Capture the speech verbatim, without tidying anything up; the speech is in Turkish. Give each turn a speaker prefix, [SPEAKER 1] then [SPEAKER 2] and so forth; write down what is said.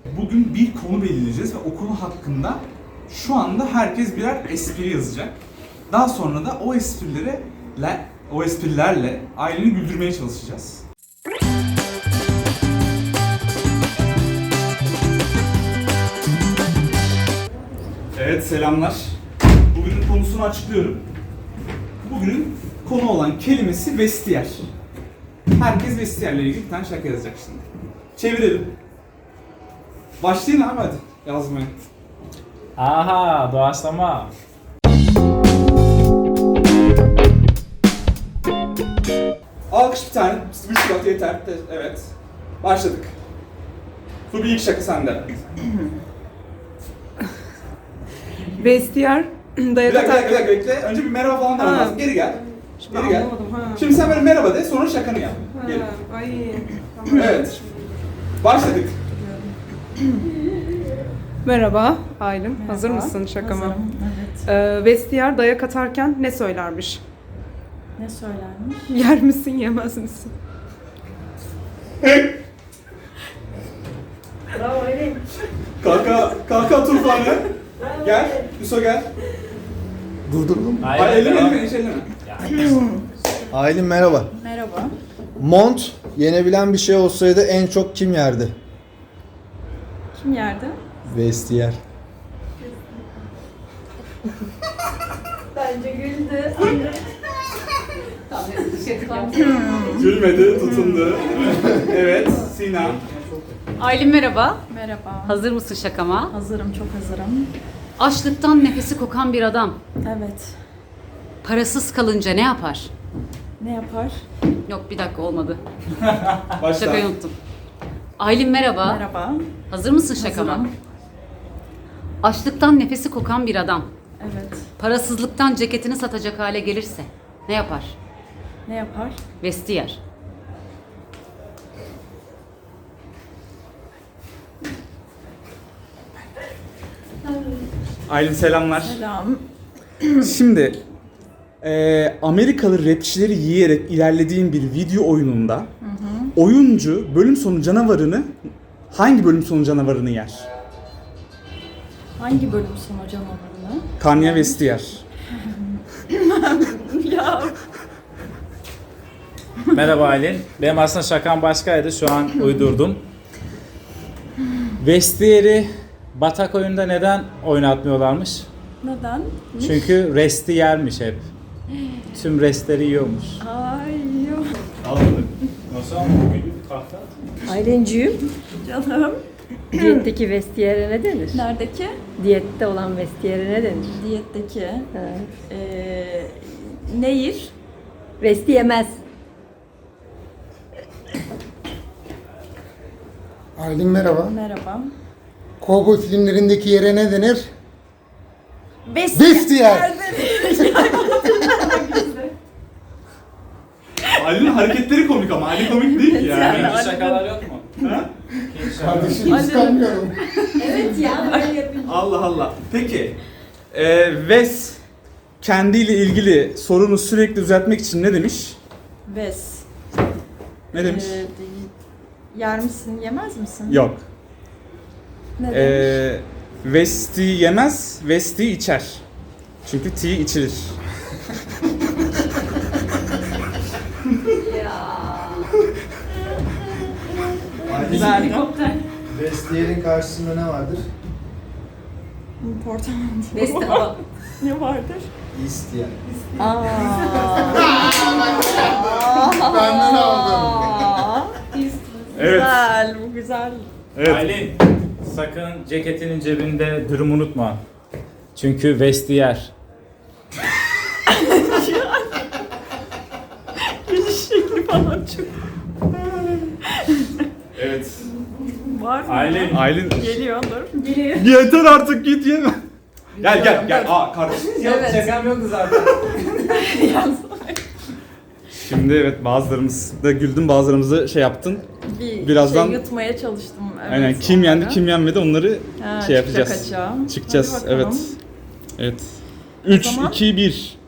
[SPEAKER 1] Bugün bir konu belirleyeceğiz ve o konu hakkında şu anda herkes birer espri yazacak. Daha sonra da o esprileri, o esprilerle aileni güldürmeye çalışacağız. Evet, selamlar. Bugünün konusunu açıklıyorum. Bugünün konu olan kelimesi vestiyer. Herkes vestiyerle ilgili bir tane şaka yazacak şimdi. Çevirelim. Başlayın abi hadi yazmaya.
[SPEAKER 2] Aha, doğaçlama.
[SPEAKER 1] Alkış bir tane, bir şubat yeter. Evet. Başladık. Bu bir ilk şaka sende.
[SPEAKER 3] Vestiyer
[SPEAKER 1] Bir
[SPEAKER 3] dayak
[SPEAKER 1] dakika, bir dakika,
[SPEAKER 3] atar.
[SPEAKER 1] bir dakika, bekle. Önce bir merhaba falan demen
[SPEAKER 3] Ha.
[SPEAKER 1] lazım. Geri gel.
[SPEAKER 3] Şimdi
[SPEAKER 1] Geri gel.
[SPEAKER 3] anlamadım ha.
[SPEAKER 1] Şimdi sen böyle merhaba de, sonra şakanı yap.
[SPEAKER 3] Ha,
[SPEAKER 1] Gel.
[SPEAKER 3] Ay. Tamam.
[SPEAKER 1] Evet. Başladık.
[SPEAKER 3] Merhaba Aylin.
[SPEAKER 4] Merhaba.
[SPEAKER 3] Hazır mısın şakama?
[SPEAKER 4] Hazırım, evet.
[SPEAKER 3] Ee, vestiyer dayak atarken ne söylermiş?
[SPEAKER 4] Ne söylermiş?
[SPEAKER 3] Yer misin, yemez misin?
[SPEAKER 4] Bravo Elin.
[SPEAKER 1] Kalka, kalka tufanı. Gel, Yusuf gel.
[SPEAKER 5] Durdurdum.
[SPEAKER 1] Hayır, elleme, elleme, hiç elleme.
[SPEAKER 5] Aylin merhaba.
[SPEAKER 4] Merhaba.
[SPEAKER 5] Mont yenebilen bir şey olsaydı en çok kim yerdi?
[SPEAKER 4] Kim yerde?
[SPEAKER 5] Vestiyer.
[SPEAKER 4] Bence güldü.
[SPEAKER 1] Gülmedi, tutundu. Evet, Sina.
[SPEAKER 6] Aylin merhaba.
[SPEAKER 4] Merhaba.
[SPEAKER 6] Hazır mısın şakama?
[SPEAKER 4] Hazırım, çok hazırım.
[SPEAKER 6] Açlıktan nefesi kokan bir adam
[SPEAKER 4] Evet.
[SPEAKER 6] parasız kalınca ne yapar?
[SPEAKER 4] Ne yapar?
[SPEAKER 6] Yok bir dakika olmadı.
[SPEAKER 1] Başla.
[SPEAKER 6] Şakayı unuttum. Aylin merhaba.
[SPEAKER 4] Merhaba.
[SPEAKER 6] Hazır mısın şakama?
[SPEAKER 4] Hazırım.
[SPEAKER 6] Açlıktan nefesi kokan bir adam
[SPEAKER 4] Evet.
[SPEAKER 6] parasızlıktan ceketini satacak hale gelirse ne yapar?
[SPEAKER 4] Ne yapar?
[SPEAKER 6] Vestiyer.
[SPEAKER 1] Aylin selamlar.
[SPEAKER 4] Selam.
[SPEAKER 1] Şimdi eee, Amerikalı rapçileri yiyerek ilerlediğim bir video oyununda oyuncu bölüm sonu canavarını hangi bölüm sonu canavarını yer?
[SPEAKER 4] Hangi bölüm sonu canavarını?
[SPEAKER 1] Kanye West yer.
[SPEAKER 4] Ya.
[SPEAKER 2] Merhaba Aylin. Benim aslında şakam başkaydı. Şu an uydurdum. Vestiyer'i batak oyunda neden oynatmıyorlarmış?
[SPEAKER 4] Neden?
[SPEAKER 2] Çünkü resti yermiş hep. Tüm restleri yiyormuş.
[SPEAKER 4] Ay yok.
[SPEAKER 2] Nasıl ama bugün tahta?
[SPEAKER 7] Aylinciğim,
[SPEAKER 4] Canım.
[SPEAKER 7] diyetteki vestiyere ne denir?
[SPEAKER 4] Neredeki?
[SPEAKER 7] Diyette olan vestiyere ne denir?
[SPEAKER 4] Diyetteki.
[SPEAKER 7] Ha.
[SPEAKER 4] Ee, nehir.
[SPEAKER 7] Vesti yemez.
[SPEAKER 8] Aylin merhaba.
[SPEAKER 4] Merhaba.
[SPEAKER 8] Kovboy filmlerindeki yere ne denir?
[SPEAKER 4] Vestiyer.
[SPEAKER 8] Vestiyer.
[SPEAKER 1] Aylin'in hareketleri komik ama Aylin komik değil ki yani.
[SPEAKER 2] İkinci şakalar yok mu?
[SPEAKER 1] Ha?
[SPEAKER 8] Kardeşim kıskanmıyorum.
[SPEAKER 4] Evet ya. Böyle yapınca.
[SPEAKER 1] Allah Allah. Peki, eee Wes kendiyle ilgili sorunu sürekli düzeltmek için ne demiş?
[SPEAKER 4] Ves.
[SPEAKER 1] Ne demiş?
[SPEAKER 4] Ee, yer misin, yemez misin?
[SPEAKER 1] Yok.
[SPEAKER 4] Ne demiş?
[SPEAKER 1] Eee West'i yemez, West'i içer. Çünkü tea içilir.
[SPEAKER 4] Güzeldi.
[SPEAKER 5] Vestiyer'in karşısında ne vardır?
[SPEAKER 4] Portakal.
[SPEAKER 6] Vesti hava.
[SPEAKER 4] Ne vardır?
[SPEAKER 5] İsteyen.
[SPEAKER 4] Aa.
[SPEAKER 8] Benden aldın.
[SPEAKER 1] Evet.
[SPEAKER 4] Güzel, bu güzel.
[SPEAKER 1] Evet.
[SPEAKER 2] Aylin, sakın ceketinin cebinde dürüm unutma. Çünkü vestiyer.
[SPEAKER 4] Geliş şekli falan çok
[SPEAKER 1] Evet.
[SPEAKER 4] var mı?
[SPEAKER 2] Aylin.
[SPEAKER 1] Aylin.
[SPEAKER 4] Geliyordur. Geliyor.
[SPEAKER 1] Yeter artık git yeme. Gel gel gel. Aa kardeşim.
[SPEAKER 2] Şakam yoktu zaten.
[SPEAKER 1] Şimdi evet bazılarımız da güldün, bazılarımızı şey yaptın.
[SPEAKER 4] Bir
[SPEAKER 1] Birazdan-
[SPEAKER 4] şey yutmaya çalıştım. Evet,
[SPEAKER 1] Aynen kim yendi kim yenmedi onları
[SPEAKER 4] Ha,
[SPEAKER 1] şey yapacağız.
[SPEAKER 4] çıkacak açığa.
[SPEAKER 1] Çıkacağız.
[SPEAKER 4] Hadi bakalım.
[SPEAKER 1] Evet. Evet. üç
[SPEAKER 4] zaman-
[SPEAKER 1] iki bir